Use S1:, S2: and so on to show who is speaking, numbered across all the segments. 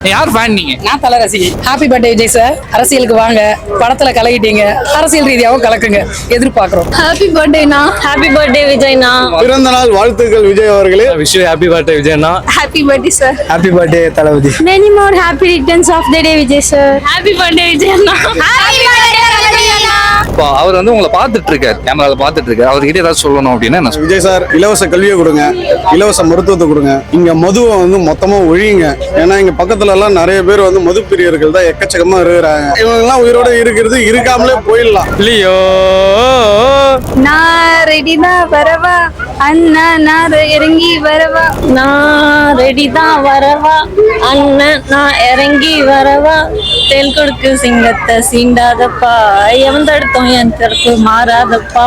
S1: யார் ஃபேன் நீங்க?
S2: நான் தல ரசிகை. Happy birthday Vijay sir. அரசியலுக்கு வாங்க, படத்துல கலக்கிட்டீங்க, அரசியல் ரீதியாகவும் கலக்குங்க, எதிர்பார்க்கிறோம்.
S3: ஹாப்பி பர்த்டேனா. Happy birthday விஜய்னா.
S4: பிறந்த நாள் வாழ்த்துக்கள் விஜய் அவர்களே.
S5: Wish you happy birthday விஜய்னா.
S3: Happy birthday sir.
S4: Happy birthday Thalapathy.
S3: Many more happy returns of the day Vijay sir. Happy birthday விஜய்னா. Happy birthday விஜய்னா.
S1: இப்போ அவர் வந்து உங்களை பார்த்துட்டு இருக்காரு, கேமரால பார்த்துட்டு இருக்காரு. அவர்கிட்ட ஏதாவது சொல்லணும் அப்படின்னா என்ன சொல்லுங்க?
S4: விஜய் சார் இலவச கல்வியை கொடுங்க, இலவச மருத்துவத்தை கொடுங்க. இங்க மதுவை வந்து மொத்தமா ஒழியுங்க. ஏன்னா இங்க பக்கத்துல எல்லாம் நிறைய பேர் வந்து மது பிரியர்கள் தான் எக்கச்சக்கமா இருக்கிறாங்க. இவங்க எல்லாம் உயிரோட இருக்கிறது இருக்காமலே போயிடலாம்.
S5: லியோ
S3: நான் ரெடி தான் வரவா அண்ணா, நான் இறங்கி வரவா. நான் ரெடி தான் வரவா அண்ணன், நான் இறங்கி வரவா. தேல் கொடுக்கு சிங்கத்தை சீண்டாதப்பா, எவன் தடுத்தோம் என் தடுப்பு மாறாதப்பா.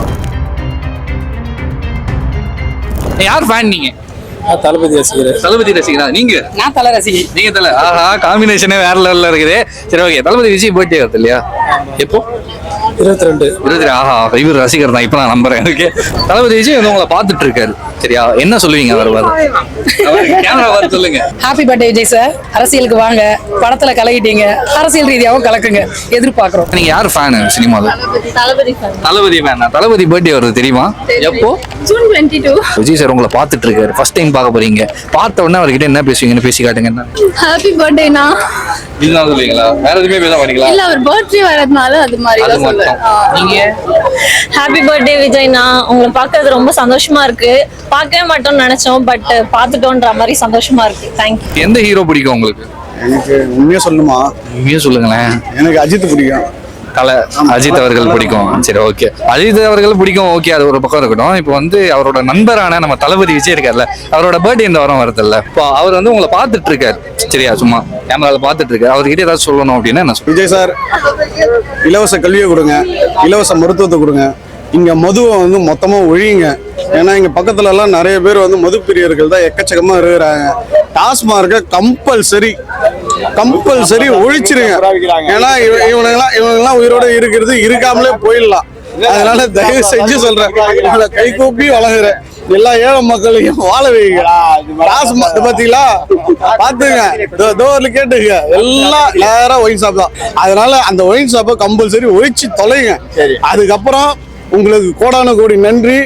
S1: யார் ஃபேன் நீங்க?
S4: தளபதி ரசிகர்.
S1: தளபதி ரசிகரா நீங்க?
S2: நான் தல ரசிகை.
S1: நீங்க தல. ஆஹா, காம்பினேஷனே வேற லெவல்ல இருக்குது. சரி, ஓகே. தளபதி விஜய் பர்த்டே வருது இல்லையா? எப்போ?
S4: 22.
S1: 22. ஆஹா, இவர் ரசிகர் தான். இப்ப நான் நம்புறேன். ஓகே. தளபதி விஜய் வந்து உங்களை பார்த்துட்டு இருக்காரு. சரியா, என்ன சொல்லுவீங்க அவர் கேமரா வர சொல்லுங்க.
S2: Happy birthday Vijay sir. அரசியலுக்கு வாங்க, படத்துல கலக்கிட்டீங்க, அரசியல் ரீதியாகவும் கலக்குங்க, எதிர்பார்க்கிறோம்.
S1: நீங்க யார் ஃபேன் சினிமால?
S3: தளபதி fan.
S1: தளபதி ஃபேனா? தளபதி பர்த்டே வருது தெரியுமா? எப்போ?
S3: June 22.
S1: விஜய் சார் உங்களை பார்த்துட்டு இருக்காரு. ஃபர்ஸ்ட் டைம் பார்க்க போறீங்க. பார்த்த உடனே அவர்கிட்ட என்ன பேசுவீங்கன்னு பேசி காட்டுங்க. என்ன
S3: ஹாப்பி பர்த்டேனா.
S1: இதுதான் சொல்லுவீங்களா? வேற எதுவுமே பேச மாட்டீங்களா?
S3: இல்ல, அவர் பர்த்டே வரதுனால அது மாதிரி
S1: அது
S3: தான் சொல்லுவேன்.
S1: மட்டும். நீங்க?
S6: Happy birthday விஜய்னா. உங்களை பார்க்கறது ரொம்ப சந்தோஷமா இருக்கு. பார்க்கவே மாட்டோம்னு நினைச்சோம், பட் பார்த்துட்டோன்ற மாதிரி சந்தோஷமா இருக்கு. தேங்க்யூ.
S1: எந்த ஹீரோ பிடிக்கும் உங்களுக்கு?
S4: எனக்கு உண்மையா சொல்லணுமா?
S1: உண்மையா சொல்லுங்களேன்.
S4: எனக்கு அஜித் பிடிக்கும்.
S1: தலை அஜித் அவர்கள் பிடிக்கும். சரி, ஓகே. அஜித் அவர்கள் பிடிக்கும். ஓகே, அது ஒரு பக்கம் இருக்கட்டும். இப்போ வந்து அவரோட நண்பரான நம்ம தளபதி விஜய் இருக்கார்ல, அவரோட பர்த்டே இந்த வாரம் வருதுல்ல. இப்போ அவர் வந்து உங்களை பார்த்துட்டு இருக்காரு. சரியா, சும்மா கேமரால பார்த்துட்டு இருக்காரு. அவர்கிட்ட ஏதாவது சொல்லணும் அப்படின்னா என்ன சொல்லுங்க?
S4: விஜய் சார் இலவச கல்வியை கொடுங்க, இலவச மருத்துவத்தை கொடுங்க. இங்க மதுவை வந்து மொத்தமா ஒழியுங்க. ஏன்னா இங்க பக்கத்துல எல்லாம் நிறைய பேர் வந்து மது பிரியர்கள் தான் எக்கச்சக்கமா இருக்கிறாங்க. டாஸ்மார்க்க கம்பல்சரி ஒழிச்சிருங்க. ஏன்னா இவங்கெல்லாம் உயிரோட இருக்கிறது இருக்காமலே போயிடலாம். அதனால தயவு செஞ்சு சொல்றேன், இவங்களை கை கூப்பி வழங்குறேன். எல்லா ஏழை மக்களையும் வாழ வைங்க. டாஸ்மாக் பாத்தீங்களா, பாத்துங்க, டோர்ல கேட்டுங்க, எல்லாம் நேரம் ஒயின் ஷாப் தான். அதனால அந்த ஒயின் ஷாப்பை கம்பல்சரி ஒழிச்சு தொலைங்க. அதுக்கப்புறம் உங்களுக்கு கோடான கோடி நன்றி.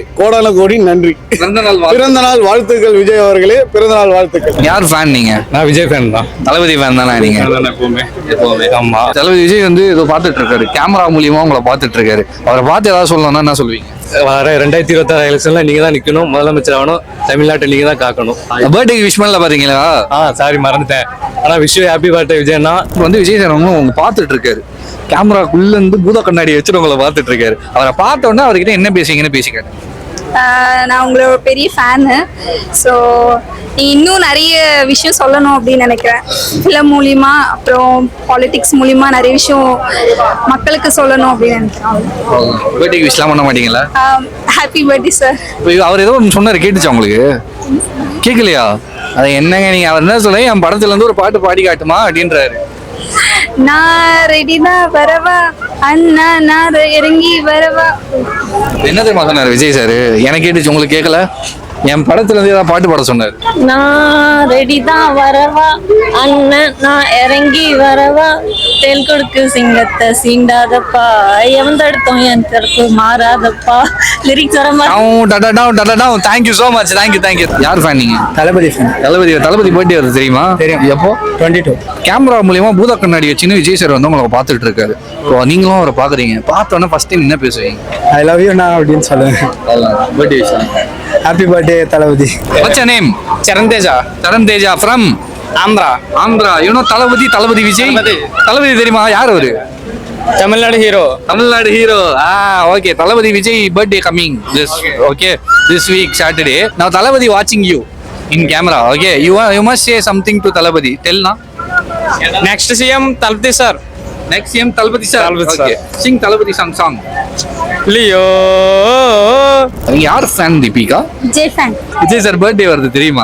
S4: பிறந்த நாள் வாழ்த்துக்கள் விஜய் அவர்களே. பிறந்த நாள் வாழ்த்துக்கள்.
S1: யார் ஃபேன் நீங்க?
S5: நான் விஜய் ஃபேன் தான்.
S1: தளபதி ஃபேன் தானே நீங்க?
S5: எப்பவுமே. ஆமா.
S1: தளபதி விஜய் வந்து ஏதோ பார்த்துட்டு இருக்காரு, கேமரா மூலியமா உங்களை பார்த்துட்டு இருக்காரு. அவரை பார்த்து ஏதாவது சொல்லணும்னா என்ன சொல்லுவீங்க?
S5: வர 2026 எலெக்ஷன்ல நீங்க தான் நிக்கணும், முதலமைச்சர் ஆகணும், தமிழ்நாட்டை நீங்க தான் காக்கணும்.
S1: பர்த்டேக்கு விஷ் பண்ணல பாத்தீங்களா?
S5: சாரி மறந்துட்டேன். ஆனா விஷ் யூ ஹாப்பி பர்த்டே விஜய்னா.
S1: இப்போ வந்து விஜய் சார் உங்க பார்த்துட்டு இருக்காரு, கேமராக்குள்ள இருந்து பூத கண்ணாடி வச்சுட்டு உங்களை பார்த்துட்டு இருக்காரு. அவரை பார்த்த உடனே அவர்கிட்ட என்ன பேசுவீங்கன்னு பேசிக்காரு.
S3: நான் உங்களோட பெரிய ஃபேனு. ஸோ நீங்கள் இன்னும் நிறைய விஷயம் சொல்லணும் அப்படின்னு நினைக்கிறேன். ஃபிலிம் மூலிமா, அப்புறம் பாலிடிக்ஸ் மூலிமா நிறைய விஷயம் மக்களுக்கு சொல்லணும் அப்படின்னு நினைக்கிறேன்.
S1: பர்த்டேக்கு விஷலாம் பண்ண மாட்டீங்களா?
S3: Happy birthday sir.
S1: இப்போ அவர் ஏதோ ஒன்று சொன்னார், கேட்டுச்சா உங்களுக்கு? கேட்கலையா? அது என்னங்க, நீங்க அவர் என்ன சொல்ல, என் படத்துல இருந்து ஒரு பாட்டு பாடி காட்டுமா அப்படின்றாரு.
S3: நான் ரெடி தான் வரவா அண்ணா, நான் இறங்கி வரவா.
S1: என்ன தெரியுமா சொன்னாரு விஜய் சார்? எனக்கு கேட்டுச்சு, உங்களுக்கு கேட்கல? என் படத்துல இருந்து ஏதாவது பாட்டு பாட சொன்னாரு.
S6: நான் ரெடி தான் வரவா அண்ணன், நான் இறங்கி வரவா. தேல் கொடுக்கு சிங்கத்தை சீண்டாதப்பா, எவன் தடுத்தோம் என் தடுப்பு மாறாதப்பா. லிரிக்ஸ் வர மாதிரி.
S1: Thank you so much. தேங்க்யூ. யார் ஃபேன் நீங்க?
S4: தளபதி ஃபேன்.
S1: தளபதி பர்த்டே வருது தெரியுமா?
S4: தெரியும்.
S1: எப்போ?
S4: 22.
S1: கேமரா மூலியமா பூத கண்ணாடி வச்சுன்னு விஜய் சார் வந்து உங்களை பார்த்துட்டு இருக்காரு. இப்போ நீங்களும் அவரை பாக்குறீங்க. பார்த்தோன்னே ஃபர்ஸ்ட் டைம் என்ன பேசுவீங்க?
S4: ஐ லவ் யூ நான் அப்படின்னு சொல்லுவேன்.
S1: Birthday
S4: happy birthday Thalapathy.
S1: What's your name?
S5: Charan Teja
S1: from Andhra. You know தளபதி விஜய்? தளபதி தெரியுமா? யார் அவரு?
S5: Tamil Nadu hero.
S1: Okay. Thalapathy Vijay birthday coming this week Saturday. Now Thalapathy watching you in camera. Okay, you must say something to Thalapathy. Tell na.
S5: Next CM Thalapathy sir.
S1: Next CM Thalapathy sir.
S5: Thalapathy sir.
S1: Okay. Sing Thalapathy song.
S5: Leo.
S1: யார் fan Deepika?
S3: Vijay fan.
S1: Vijay sir birthday வருது தெரியுமா?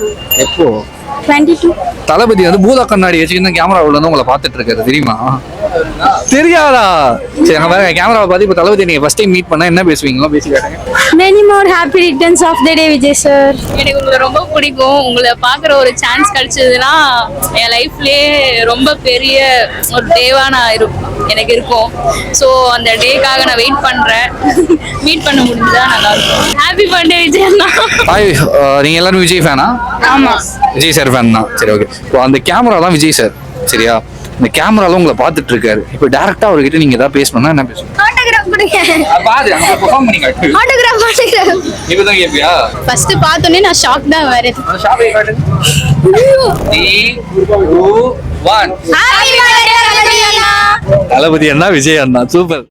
S1: எப்போ?
S3: 22.
S1: தளபதி வந்து பூத கண்ணாடி வச்சுக்கிட்டு camera உள்ள வந்து உங்களை பார்த்துட்டு இருக்காரு தெரியுமா? தெரியாதா? சரி அங்க பாருங்க கேமராவை பார்த்து இப்போ தளபதி நீங்க ஃபர்ஸ்ட் டைம் மீட் பண்ணா என்ன பேசுவீங்களோ பேசி காட்டுங்க.
S3: Many more happy returns of the day Vijay sir.
S6: எனக்கு உங்களை ரொம்ப பிடிக்கும். உங்களை பார்க்குற ஒரு சான்ஸ் கிடைச்சதுன்னா என் லைஃப்லயே ரொம்ப பெரிய ஒரு டேவா எனக்கு இருக்கும். ஸோ அந்த டேக்காக நான் வெயிட் பண்றேன். மீட் பண்ண முடிஞ்சா நல்லா இருக்கும். ஹாப்பி பர்த்டே விஜய் அண்ணா.
S1: ஹாய், நீங்க எல்லாரும் விஜய் ஃபேனா?
S6: ஆமா.
S1: விஜய் சார் ஃபேன் தான். சரி ஓகே. இப்போ அந்த கேமரா தான் விஜய் சார், சரியா? இந்த கேமரால உங்களை பார்த்துட்டு இருக்காரு. இப்போ டைரக்டா அவர்கிட்ட நீங்க ஏதாவது பேசணும்னா என்ன பேசுவீங்க?
S3: ஆட்டோகிராஃப் கொடுங்க.
S1: பாரு அங்க பெர்ஃபார்ம் பண்ணி காட்டு.
S3: ஆட்டோகிராஃப்.
S1: நீ தான் கேப்பியா?
S3: ஃபர்ஸ்ட் பார்த்தோன்னே நான் ஷாக் தான் வரேன்.
S1: ஷாப்பை காட்டு. 3 2 1
S3: ஹாப்பி பர்த்டே விஜய் அண்ணா.
S1: தளபதி அண்ணா விஜய் அண்ணா சூப்பர்.